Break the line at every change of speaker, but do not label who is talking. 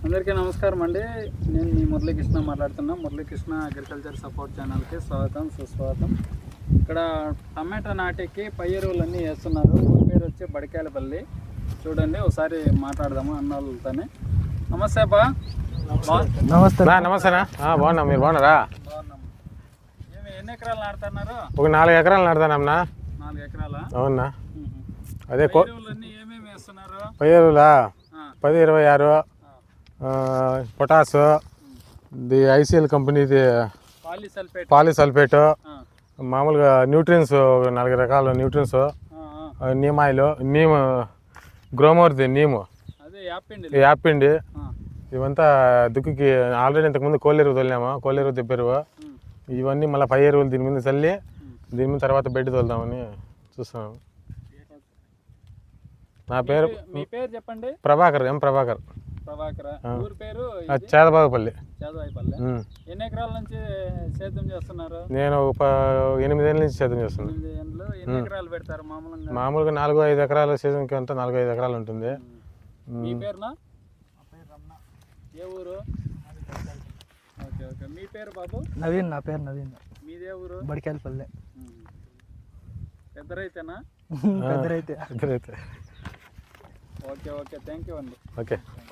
అందరికీ నమస్కారం అండి. నేను మీ మురళీకృష్ణ మాట్లాడుతున్నా. మురళీకృష్ణ అగ్రికల్చర్ సపోర్ట్ ఛానల్కి స్వాగతం సుస్వాగతం. ఇక్కడ టమాటా నాటికి పై ఎరువులన్నీ వేస్తున్నారు. ఊరి పేరు వచ్చి బడికాయలపల్లి. చూడండి, ఒకసారి మాట్లాడదాము అన్నోళ్ళతోనే. నమస్తే బా.
నమస్తే నమస్తేనా. బాగున్నా, మీరు బాగున్నారా?
బాగున్నాం. ఎన్ని ఎకరాలు నాటుతున్నారు?
ఒక 4 ఎకరాలు నాటుతానమ్మా.
4 ఎకరాలా?
అవునా. అదే
ఎరువులన్నీ ఏమేమి వేస్తున్నారు?
పై ఎరువులా 10-26 పొటాసు, ఇది ఐసీఎల్ కంపెనీది పాలిసల్ఫేట్, మామూలుగా న్యూట్రియన్స్ 4 రకాల న్యూట్రియన్స్, నీమ్ ఆయిల్, నీమ్ గ్రోమోర్ది నీము, యాపిండి, ఇవంతా దుక్కికి ఆల్రెడీ ఇంతకుముందు కోళ్ళెరువు తోలినాము. కోళ్ళెరువు తెప్పెరువు ఇవన్నీ మళ్ళీ పై ఎరువులు దీని మీద చల్లి దీని మీద తర్వాత బెడ్ తోలుదామని చూస్తున్నాము. నా పేరు
చెప్పండి.
ప్రభాకర్, ప్రభాకర్.
ఊరి పేరు
చేదబాగుపల్లి.
ఎన్ని ఎకరాల నుంచి సేద్యం చేస్తున్నారు?
నేను 8 ఏళ్ళ నుంచి సేద్యం చేస్తున్నాను.
ఎన్ని ఎకరాలు పెడతారు
మామూలుగా 4-5 ఎకరాల సీజన్కి అంతా 4-5 ఎకరాలు ఉంటుంది.
మీ పేరునా? ఏ ఊరు? Okay okay. మీ పేరు బాబు?
నవీన్. నా పేరు నవీన్.
మీదే ఊరు?
బడికాయలపల్లి.
పెద్ద రైతేనా?
పెద్ద రైతే.
ఓకే ఓకే, థ్యాంక్ యూ అండి.
ఓకే.